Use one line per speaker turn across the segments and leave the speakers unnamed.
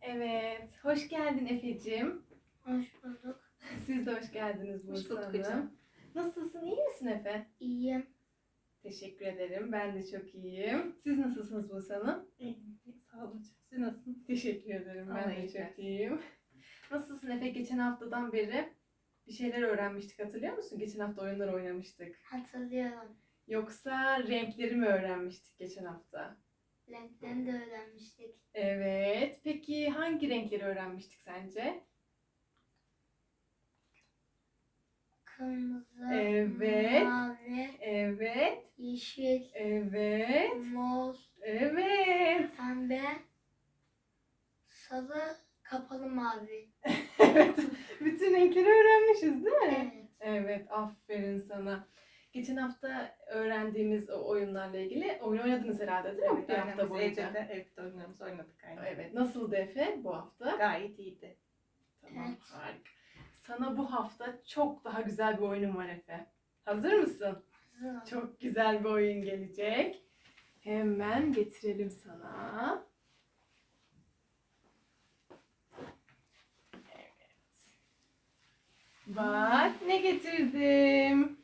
Evet, hoş geldin Efe'cim.
Hoş bulduk.
Siz de hoş geldiniz
Hoş
Buse
bulduk
Hanım.
hocam.
Nasılsın, iyi misin Efe?
İyiyim.
Teşekkür ederim, ben de çok iyiyim. Siz nasılsınız Buse Hanım?
İyiyim. Sağ olun hocam. Siz nasılsınız?
Teşekkür ederim, ben
Allah
de
iyilik
çok
versin.
iyiyim. Nasılsın Efe? Geçen haftadan beri bir şeyler öğrenmiştik, hatırlıyor musun? Geçen hafta oyunlar oynamıştık.
Hatırlıyorum.
Yoksa renkleri mi öğrenmiştik geçen hafta?
Renklerini de öğrenmiştik.
Evet, peki hangi renkleri öğrenmiştik sence?
Kırmızı,
Evet.
mavi,
Evet,
yeşil,
evet,
mor,
evet.
pembe, sarı, kapalı mavi.
Evet, bütün renkleri öğrenmişiz değil mi?
Evet.
Evet, aferin sana. Geçen hafta öğrendiğimiz o oyunlarla ilgili oyun oynadınız herhalde değil mi?
Evet,
Bir hafta
aynen. Biz
boyunca.
evde de evde oyunlarımızı oynadık aynen.
Evet, nasıldı Efe bu hafta?
Gayet iyiydi.
Tamam,
Evet.
harika. Sana bu hafta çok daha güzel bir oyunum var Efe. Hazır mısın?
Hazırım.
Çok güzel bir oyun gelecek. Hemen getirelim sana. Bak ne getirdim.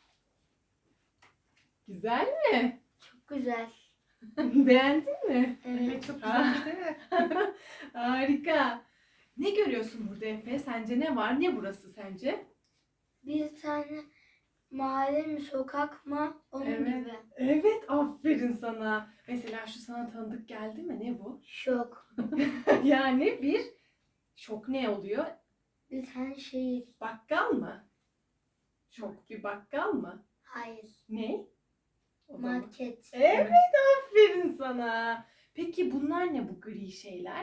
Güzel mi?
Çok güzel.
Beğendin mi?
Evet.
Çok güzel değil mi?
Harika. Ne görüyorsun burada Efe? Sence ne var? Ne burası sence?
Bir tane mahalle mi, sokak mı? Onun
Evet.
gibi.
Evet, aferin sana. Mesela şu sana tanıdık geldi mi? Ne bu?
Şok.
Yani bir şok ne oluyor?
Bir tane şehir.
Bakkal mı? Şok bir bakkal mı?
Hayır.
Ne? O zaman.
Market.
Evet, aferin sana. Peki bunlar ne bu gri şeyler?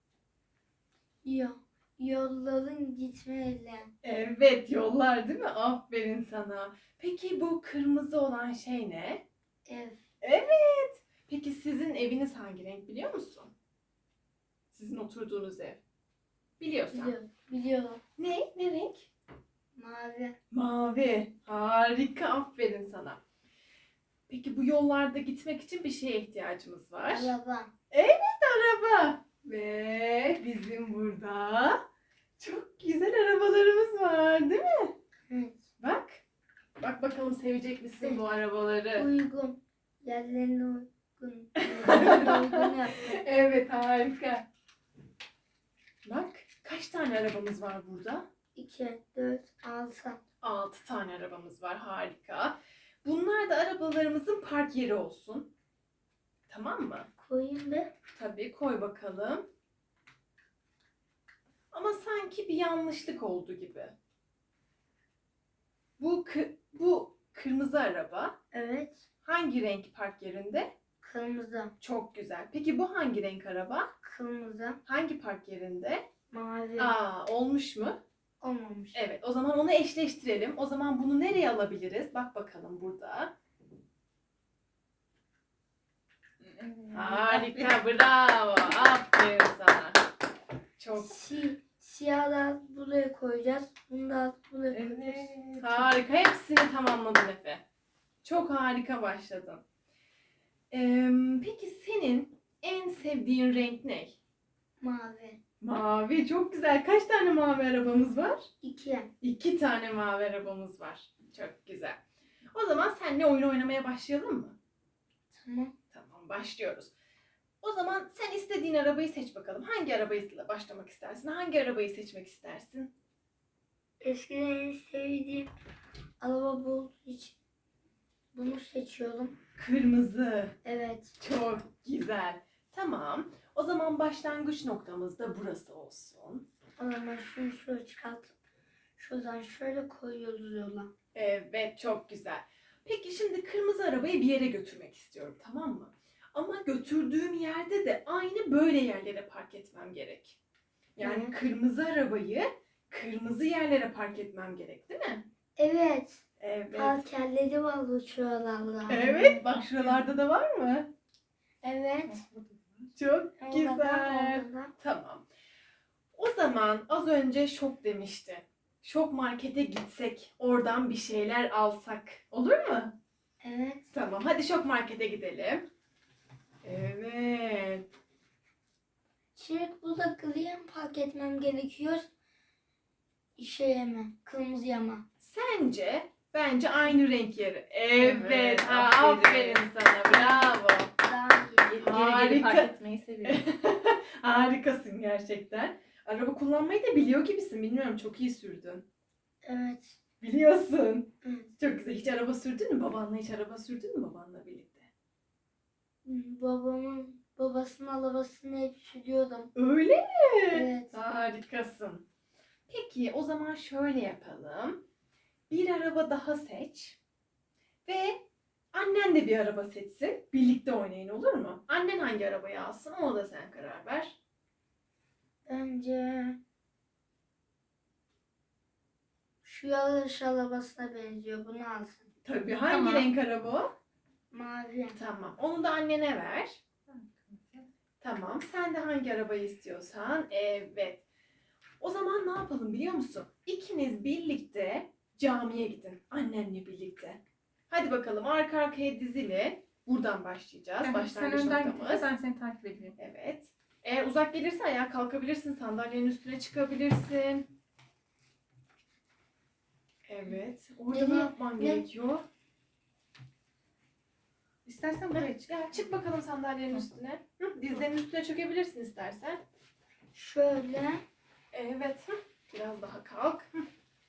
Yolların gitmeyle.
Evet, yollar değil mi? Aferin sana. Peki bu kırmızı olan şey ne?
Ev.
Evet. Peki sizin eviniz hangi renk biliyor musun? Sizin oturduğunuz ev. Biliyorsan.
Biliyorum.
Ne? Ne renk?
Mavi.
Mavi. Harika, aferin sana. Peki bu yollarda gitmek için bir şeye ihtiyacımız var.
Araba.
Araba. Ve bizim burada çok güzel arabalarımız var değil mi?
Evet.
Bak. Bak bakalım sevecek misin bu arabaları?
Uygun. Yerlerine uygun. Yerlerine uygun yaptım.
Evet, harika. Bak kaç tane arabamız var burada?
2, 4, 6.
6 tane arabamız var, harika. Bunlar da arabalarımızın park yeri olsun. Tamam mı?
Koyayım da.
Tabii, koy bakalım. Ama sanki bir yanlışlık oldu gibi. Bu kırmızı araba
Evet.
hangi renk park yerinde?
Kırmızı.
Çok güzel. Peki bu hangi renk araba?
Kırmızı.
Hangi park yerinde?
Mavi.
Olmuş mu?
Olmamış.
Evet, o zaman onu eşleştirelim. O zaman bunu nereye alabiliriz? Bak bakalım burada. Harika, bravo. Aferin sana. Çok
Siyahlar buraya koyacağız. Bunu da buraya koyacağız.
Evet.
harika. Hepsini tamamladın Efe. Çok harika başladın. Peki senin en sevdiğin renk ne?
Mavi.
Mavi, çok güzel. Kaç tane mavi arabamız var?
2.
2 tane mavi arabamız var. Çok güzel. O zaman seninle oyun oynamaya başlayalım mı?
Tamam.
Tamam, başlıyoruz. O zaman sen istediğin arabayı seç bakalım. Hangi arabayla başlamak istersin? Hangi arabayı seçmek istersin?
Eskiden en sevdiğim araba bu olduğu için bunu seçiyorum.
Kırmızı.
Evet.
Çok güzel. Tamam. O zaman başlangıç noktamız da burası olsun.
O zaman şunu şöyle çıkartıp şuradan şöyle koyuyoruz yola.
Evet, çok güzel. Peki şimdi kırmızı arabayı bir yere götürmek istiyorum, tamam mı? Ama götürdüğüm yerde de aynı böyle yerlere park etmem gerek. Yani
Evet.
kırmızı arabayı kırmızı yerlere park etmem gerek, değil mi?
Evet.
Evet.
Park yerleri var bu şuralarda.
Evet, bak şuralarda da var mı?
Evet.
Çok
Orada da,
güzel.
orada da.
Tamam. O zaman az önce Şok demişti. Şok markete gitsek, oradan bir şeyler alsak olur mu?
Evet.
Tamam, hadi Şok markete gidelim. Evet.
Şimdi burada griye mi park etmem gerekiyor? Şeye mi? Kırmızıya mı?
Bence aynı renk yeri. Evet.
Evet,
Aferin
aferin.
sana. Bravo.
Daha iyi.
Geri geri
Harika.
fark etmeyi seviyorum.
Harikasın gerçekten. Araba kullanmayı da biliyor gibisin. Bilmiyorum, çok iyi sürdün.
Evet.
Biliyorsun.
Evet.
Çok güzel. Hiç araba sürdün mü? Babanla hiç araba sürdün mü babanla birlikte?
Babasının arabasını hep sürüyordum.
Öyle mi?
Evet.
Harikasın. Peki o zaman şöyle yapalım. Bir araba daha seç. Ve annen de bir araba seçsin. Birlikte oynayın, olur mu? Annen hangi arabayı alsın, ona da sen karar ver.
Bence şu yarış arabasına benziyor. Bunu alsın.
Tabii, hangi
Tamam.
renk araba o?
Mavi.
Tamam. Onu da annene ver. Tamam. Sen de hangi arabayı istiyorsan. Evet. O zaman ne yapalım biliyor musun? İkiniz birlikte camiye gidin. Annenle birlikte. Hadi bakalım, arka arkaya dizili. Buradan başlayacağız.
Sen
Başlangıç
önden git.
noktamız.
Ben seni takip edeyim.
Evet. Eğer uzak gelirse ayağa kalkabilirsin. Sandalyenin üstüne çıkabilirsin. Evet. Orada ne
Ne-
yapman
ne-
gerekiyor?
İstersen buraya çık.
Ya çık bakalım sandalyenin üstüne. Hı, dizlerinin üstüne çökebilirsin istersen.
Şöyle.
Evet. Hı. Biraz daha kalk. Hı.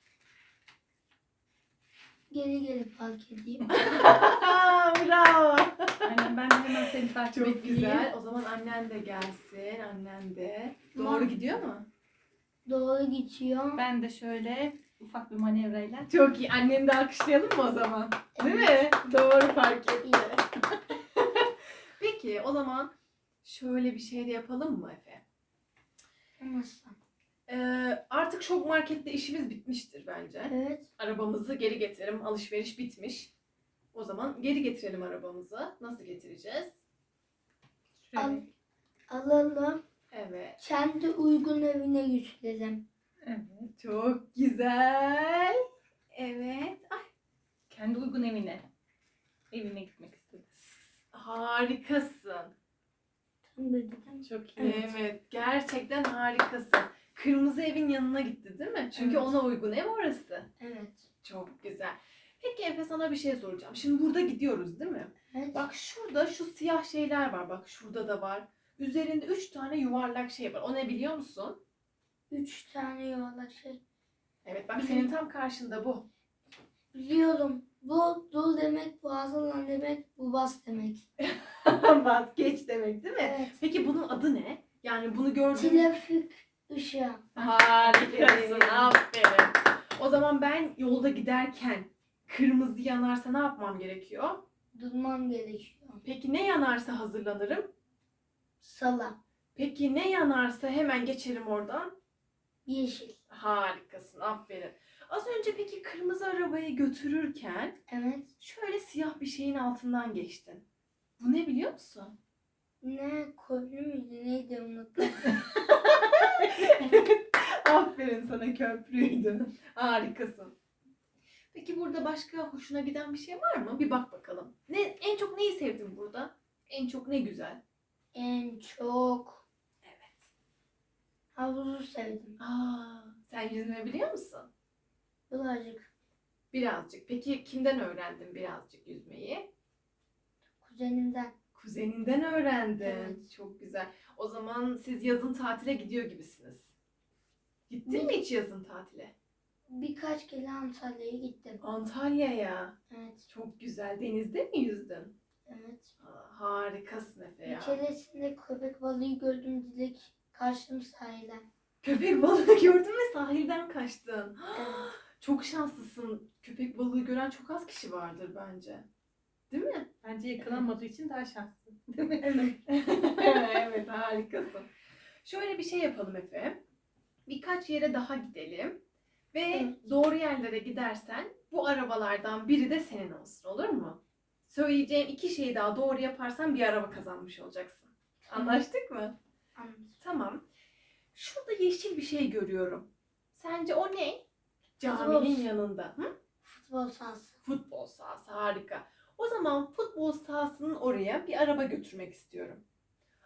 Geri park edeyim.
Bravo.
Aynen, ben de hemen seni takip
Çok
edeyim.
güzel. O zaman annen de gelsin. Annen de. Doğru
Tamam.
gidiyor mu?
Doğru geçiyor.
Ben de şöyle ufak bir manevrayla.
Çok iyi. Anneni de alkışlayalım mı o zaman? Değil
Evet.
mi? Doğru fark etti.
İyi.
Peki o zaman şöyle bir şey de yapalım mı Efe?
Nasıl?
Artık şok markette işimiz bitmiştir bence.
Evet.
Arabamızı geri getirelim. Alışveriş bitmiş. O zaman geri getirelim arabamızı. Nasıl getireceğiz?
Al,
Şöyle.
alalım.
Evet.
Kendi uygun evine götürelim.
Evet.
Çok güzel. Evet. Ay,
Kendi uygun evine. Evine gitmek istedim.
harikasın.
Tam dedim.
Çok iyi.
Evet.
Evet. Gerçekten harikasın. Kırmızı evin yanına gitti değil mi? Çünkü
Evet.
ona uygun ev orası.
Evet.
Çok güzel. Peki Efe, sana bir şey soracağım. Şimdi burada gidiyoruz değil mi?
Evet.
Bak şurada şu siyah şeyler var. Bak şurada da var. Üzerinde 3 tane yuvarlak şey var. O ne biliyor musun?
3 tane yuvarlak şey.
Evet, bak senin tam karşında bu.
Biliyorum. Bu dul demek, bu hazırlan demek, bu bas demek.
Vazgeç demek değil mi?
Evet.
Peki bunun adı ne? Yani bunu gördüğünüz...
Trafik ışığı.
Harikasın. Aferin. O zaman ben yolda giderken kırmızı yanarsa ne yapmam gerekiyor?
Durmam gerekiyor.
Peki ne yanarsa hazırlanırım?
Sala.
Peki ne yanarsa hemen geçerim oradan?
Yeşil.
Harikasın. Aferin. Az önce peki kırmızı arabayı götürürken
Evet.
şöyle siyah bir şeyin altından geçtin. Bu ne biliyor musun?
Ne? Köprü müydü? Neydi unuttum.
Aferin sana, köprüydü. Harikasın. Peki burada başka hoşuna giden bir şey var mı? Bir bak bakalım. En çok neyi sevdin burada? En çok ne güzel?
En çok
Evet.
havuzu sevdim.
Sen yüzme biliyor musun?
Birazcık
Birazcık. Peki kimden öğrendin birazcık yüzmeyi?
kuzenimden.
Kuzeninden öğrendin.
Evet.
Çok güzel. O zaman siz yazın tatile gidiyor gibisiniz. Gittin
Ne?
mi hiç yazın tatile?
Birkaç kere Antalya'ya gittim.
Antalya'ya.
Evet.
Çok güzel. Denizde mi yüzdün?
Evet.
Harikasın Efe
Bir
ya.
keresinde köpek balığı gördüm, direkt kaçtım sahilden.
Köpek balığı gördün ve sahilden kaçtın.
Evet.
Çok şanslısın. Köpek balığı gören çok az kişi vardır bence. Değil mi?
Bence yakalanmadığı için daha şanslı. Değil mi?
Evet. Evet, harikasın. Şöyle bir şey yapalım Efe. Birkaç yere daha gidelim. Ve
Evet.
doğru yerlere gidersen bu arabalardan biri de senin olsun, olur mu? Söyleyeceğim 2 şeyi daha doğru yaparsan bir araba kazanmış olacaksın. Anlaştık mı?
Anladım.
Tamam. Şurada yeşil bir şey görüyorum. Sence o ne? Caminin
Futbol.
yanında. Hı?
Futbol sahası.
Futbol sahası, harika. O zaman futbol sahasının oraya bir araba götürmek istiyorum.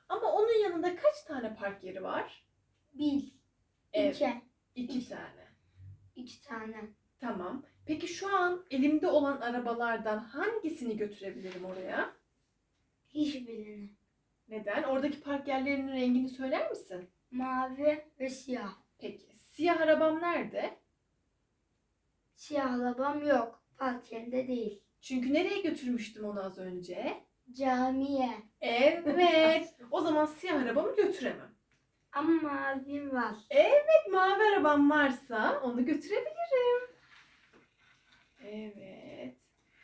Ama onun yanında kaç tane park yeri var?
Bir,
Evet,
iki,
2 tane.
2 tane.
Tamam. Peki şu an elimde olan arabalardan hangisini götürebilirim oraya?
Hiçbirini.
Neden? Oradaki park yerlerinin rengini söyler misin?
Mavi ve siyah.
Peki. Siyah arabam nerede?
Siyah arabam yok. Park yerinde değil.
Çünkü nereye götürmüştüm onu az önce?
Camiye.
Evet. O zaman siyah arabamı götüremem.
Ama mavim var.
Evet, mavi arabam varsa onu götürebilirim. Evet.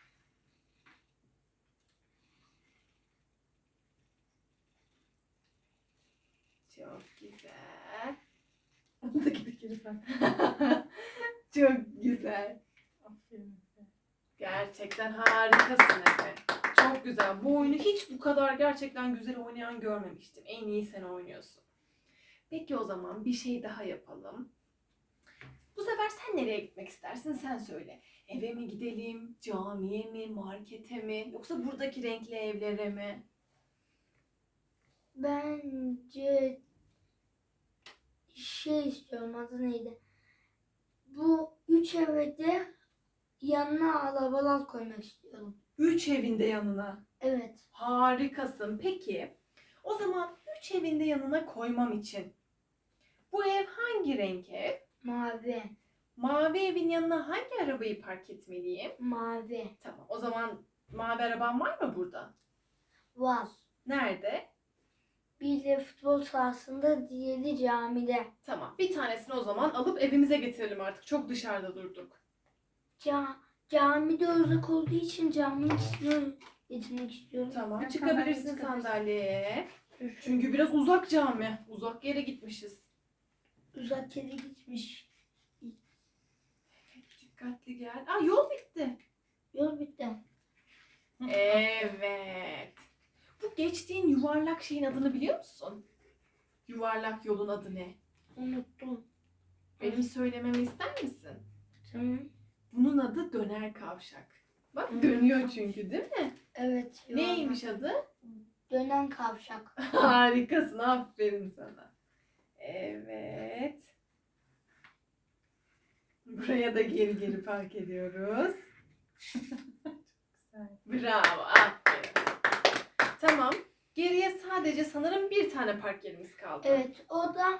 Çok güzel.
Ondaki de lütfen.
Çok güzel.
Aferin Efe.
Gerçekten harikasın Efe. Çok güzel. Bu oyunu hiç bu kadar gerçekten güzel oynayan görmemiştim. En iyi sen oynuyorsun. Peki o zaman bir şey daha yapalım. Bu sefer sen nereye gitmek istersin? Sen söyle. Eve mi gidelim, camiye mi, markete mi, yoksa buradaki renkli evlere mi?
Bence şey istiyorum, adı neydi? Bu 3 eve de yanına arabalar koymak istiyorum.
3 evinde yanına.
Evet.
Harikasın. Peki, o zaman 3 evinde yanına koymam için bu ev hangi renk ev?
Mavi.
Mavi evin yanına hangi arabayı park etmeliyim?
Mavi.
Tamam. O zaman mavi araban var mı burada?
Var.
Nerede?
Biri futbol sahasında, diğeri camide.
Tamam. Bir tanesini o zaman alıp evimize getirelim artık. Çok dışarıda durduk.
Camide uzak olduğu için caminin üstüne getirmek istiyorum.
Tamam.
Ya,
Çıkabilirsin
sandalye
sandalyeye. Çünkü biraz uzak cami. Uzak yere gitmişiz.
uzak yere gitmiş.
Dikkatli gel. Aa, yol bitti.
Yol bitti.
Evet. Bu geçtiğin yuvarlak şeyin adını biliyor musun? Yuvarlak yolun adı ne?
Unuttum.
Benim söylememi ister misin?
Tamam.
Bunun adı döner kavşak. Bak
Hı.
dönüyor çünkü değil mi?
Evet. yuvarlak.
Neymiş adı?
Dönen kavşak.
Harikasın. Aferin sana. Evet. Buraya da geri geri park ediyoruz.
Güzel.
Bravo. Aferin. Tamam. Geriye sadece sanırım bir tane park yerimiz kaldı.
Evet. O da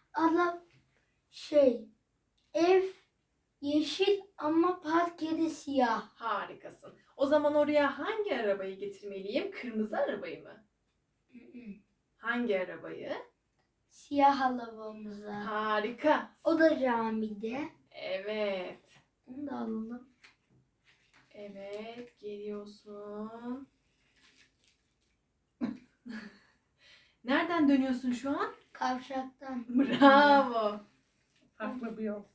ev yeşil ama park yeri siyah.
Harikasın. O zaman oraya hangi arabayı getirmeliyim? Kırmızı arabayı mı? Hangi arabayı?
Siyah arabamıza.
Harika.
O da camide.
Evet.
Onu da alalım.
Evet, geliyorsun. Nereden dönüyorsun şu an?
Kavşaktan.
Bravo.
Farklı bir yol.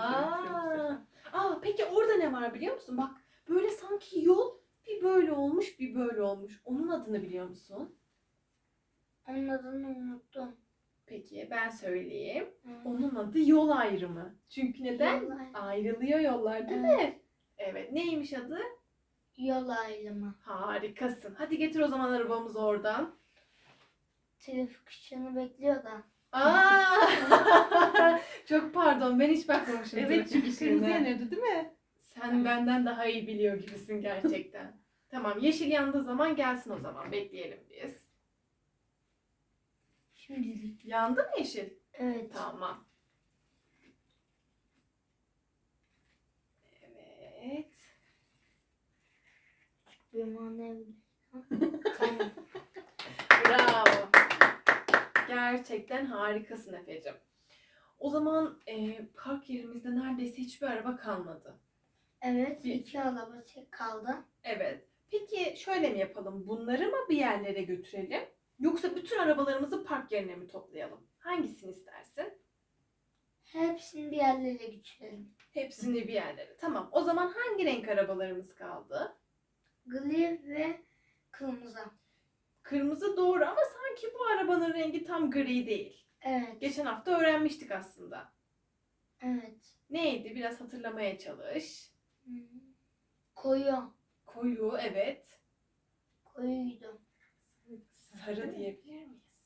Peki orada ne var biliyor musun? Bak, böyle sanki yol bir böyle olmuş, bir böyle olmuş. Onun adını biliyor musun?
Onun adını unuttum.
Peki, ben söyleyeyim.
Hı.
Onun adı yol ayrımı. Çünkü neden?
Yol ayrımı.
Ayrılıyor yollar, değil mi? Evet, neymiş adı?
Yol ayrımı.
Harikasın. Hadi getir o zaman arabamızı oradan.
Trafik ışığını bekliyor da.
Çok pardon, ben hiç bakmamışım.
Evet
trafik
çünkü
ışığına.
kırmızı yanıyordu değil mi?
Sen benden daha iyi biliyor gibisin gerçekten. Tamam, yeşil yandığı zaman gelsin o zaman. Bekleyelim biz.
Şimdilik.
Yandı mı yeşil?
Evet.
Tamam. Evet.
Bir manevi. Tamam.
Bravo. Gerçekten harikasın Efe'cim. O zaman park yerimizde neredeyse hiçbir araba kalmadı.
Evet.
Bir-
2 araba tek kaldı.
Evet. Peki şöyle mi yapalım? Bunları mı bir yerlere götürelim? Yoksa bütün arabalarımızı park yerine mi toplayalım? Hangisini istersin?
Hepsini bir yerlere götürelim.
Hepsini bir yerlere. Tamam. O zaman hangi renk arabalarımız kaldı?
Gri ve kırmızı.
Kırmızı doğru ama sanki bu arabanın rengi tam gri değil.
Evet.
Geçen hafta öğrenmiştik aslında.
Evet.
Neydi? Biraz hatırlamaya çalış.
Hı. Koyu.
Koyu, evet.
Koyuydu.
Sarı diyebilir miyiz?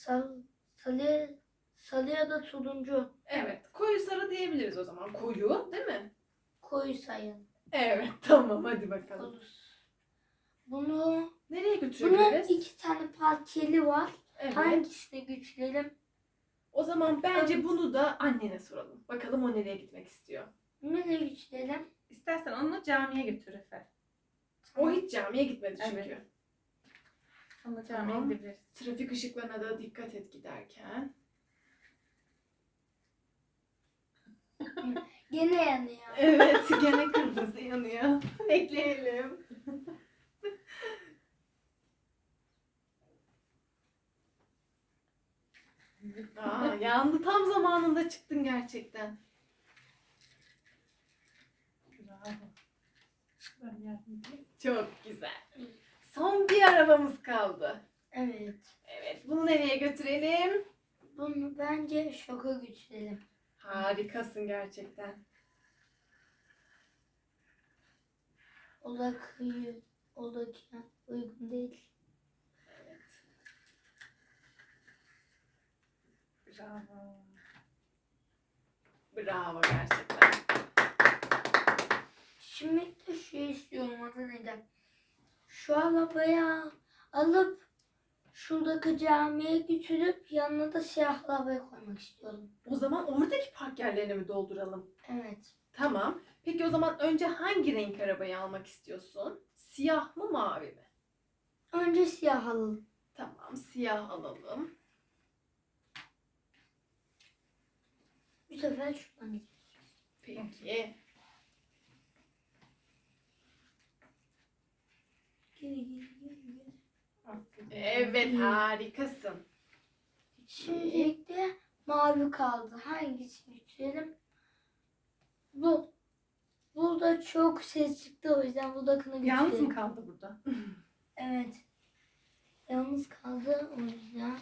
sarı ya da turuncu.
Evet. Koyu sarı diyebiliriz o zaman. Koyu değil mi?
Koyu sayın.
Evet. Tamam hadi bakalım.
Olur. Bunu
Nereye
bunun
götürebiliriz?
2 tane parkeli var.
Evet.
Hangisini güçlerim?
O zaman bence bunu da annene soralım. Bakalım o nereye gitmek istiyor.
Nereye güçlerim?
İstersen onu camiye götür Efe.
O hiç camiye gitmedi çünkü.
Evet. Onunla camiye
Tamam.
gidebiliriz.
Trafik ışıklarına da dikkat et giderken.
Gene yanıyor.
Evet, gene kırmızı yanıyor. Bekleyelim. Aa, yandı, tam zamanında çıktın gerçekten.
Bravo. Ben yardım edeyim.
Çok güzel. Son bir arabamız kaldı.
Evet.
Evet, bunu nereye götürelim?
Bunu bence şoka güçlerim.
Harikasın gerçekten.
O da kıyı, o da uygun değil.
Evet.
Bravo.
Bravo gerçekten.
Şimdi de şu istiyorum adı neydi? Şu arabayı alıp şuradaki camiye götürüp yanına da siyah arabayı koymak istiyorum.
O zaman oradaki park yerlerini mi dolduralım?
Evet.
Tamam. Peki o zaman önce hangi renk arabayı almak istiyorsun? Siyah mı, mavi mi?
Önce siyah alalım.
Tamam, siyah alalım.
Bu sefer şuradan gidelim.
Peki.
Geri.
Aferin.
Evet, harikasın.
Şimdi de mavi kaldı. Hangisini götürelim? Bu. Burada çok ses çıktı o yüzden buradakini götürelim.
Yalnız mı kaldı burada?
Evet. Yalnız kaldı o yüzden.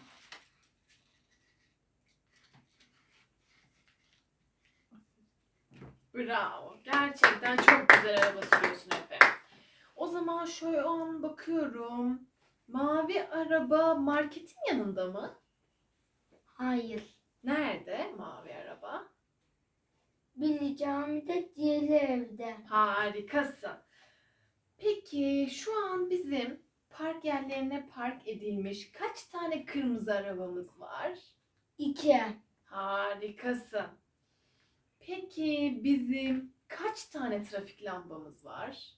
Bravo. Gerçekten çok güzel araba sürüyorsun Efe. O zaman şöyle an bakıyorum. Mavi araba marketin yanında mı?
Hayır.
Nerede mavi araba?
Biri camide, diğeri evde.
Harikasın. Peki şu an bizim park yerlerine park edilmiş kaç tane kırmızı arabamız var?
2.
Harikasın. Peki bizim kaç tane trafik lambamız var?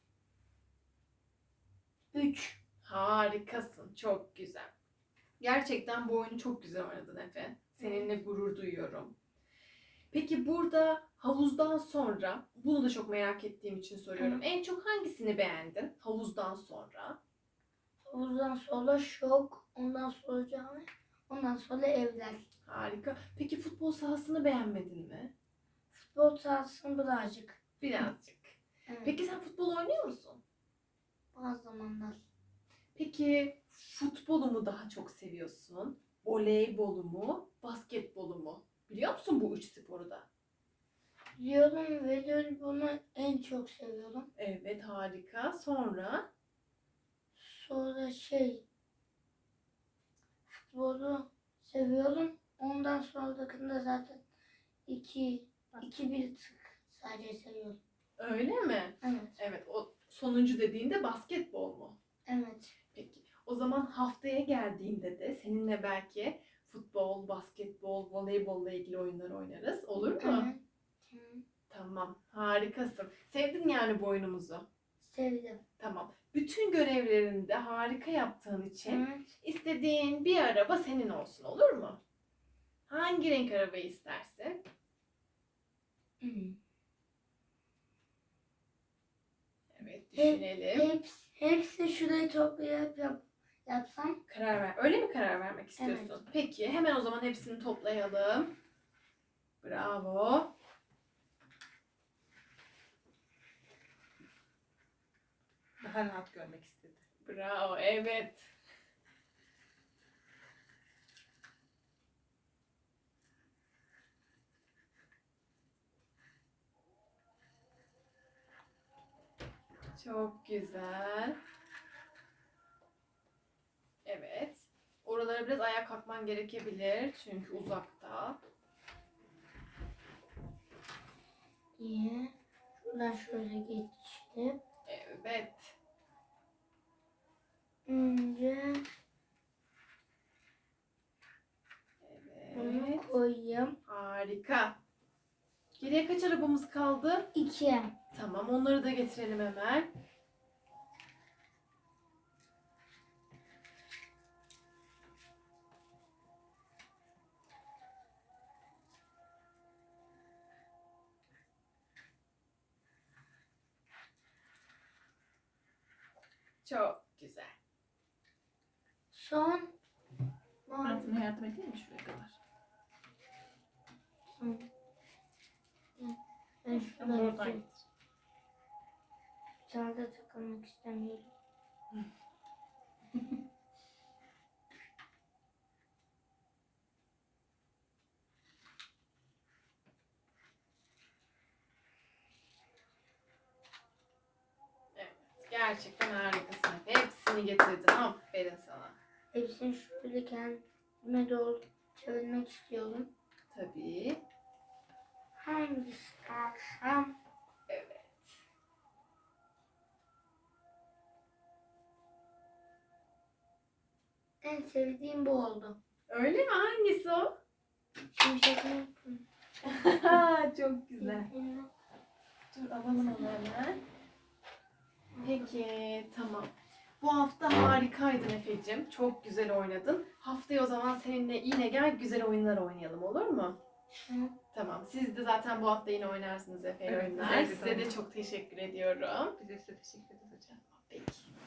3.
Harikasın. Çok güzel. Gerçekten bu oyunu çok güzel oynadın Efe. Seninle gurur duyuyorum. Peki burada havuzdan sonra, bunu da çok merak ettiğim için soruyorum.
Hı.
En çok hangisini beğendin havuzdan sonra?
Havuzdan sonra şok, ondan sonra cami, ondan sonra evler.
Harika. Peki futbol sahasını beğenmedin mi?
Futbol sahasını birazcık.
Birazcık.
Evet.
Peki sen futbol oynuyor musun?
Bazı zamanlar.
Peki futbolu mu daha çok seviyorsun? Voleybolu mu? Basketbolu mu? Biliyor musun bu üç sporu da?
Diyorum ve bunu en çok seviyorum.
Evet, harika. Sonra?
Sonra futbolu seviyorum. Ondan sonrakinde zaten iki bir tık sadece seviyorum.
Öyle mi?
Evet.
Evet, o sonuncu dediğinde basketbol mu?
Evet.
Peki. O zaman haftaya geldiğinde de seninle belki futbol, basketbol, voleybolla ilgili oyunlar oynarız. Olur mu?
Evet. Hı.
Tamam. Harikasın. Sevdin yani bu oyunumuzu.
Sevdim.
Tamam. Bütün görevlerini de harika yaptığın için
Evet.
istediğin bir araba senin olsun. Olur mu? Hangi renk arabayı istersin?
Hı.
Evet, düşünelim.
Hepsi şurayı toplayıp yapsam.
Karar ver. Öyle mi karar vermek istiyorsun? Peki, hemen o zaman hepsini toplayalım. Bravo.
Daha rahat görmek istedi.
Bravo, evet. Çok güzel. Evet. Şuralara biraz ayağa kalkman gerekebilir. Çünkü uzakta.
İyi. Şuradan şöyle geçtim.
Evet.
Önce bunu
Evet.
koyayım.
Harika. Geriye kaç arabamız kaldı?
2.
Tamam, onları da getirelim hemen. Çok güzel.
Son.
Altına yardım edeyim mi şuraya kadar?
Son. Ben
Ama
şuraya
oradan
bir
getir.
tane de takılmak istemiyorum.
Evet, gerçekten harikasın. Hepsini getirdin. Aferin sana.
Hepsini şöyle kendime doğru çevirmek istiyorum.
Tabii.
Hangisi alsam?
Evet.
En sevdiğim bu oldu.
Öyle mi? Hangisi o?
Şimşek mi?
Çok güzel. Dur alalım onu hemen. Peki tamam. Bu hafta harikaydın Efe'cim. Çok güzel oynadın. Haftaya o zaman seninle yine gel güzel oyunlar oynayalım, olur mu?
Hı.
Tamam. Siz de zaten bu hafta yine oynarsınız Efe
Evet,
oyunlar.
güzel bir
Size de
oyun.
çok teşekkür ediyorum.
Bize size teşekkür ederiz hocam.
Peki.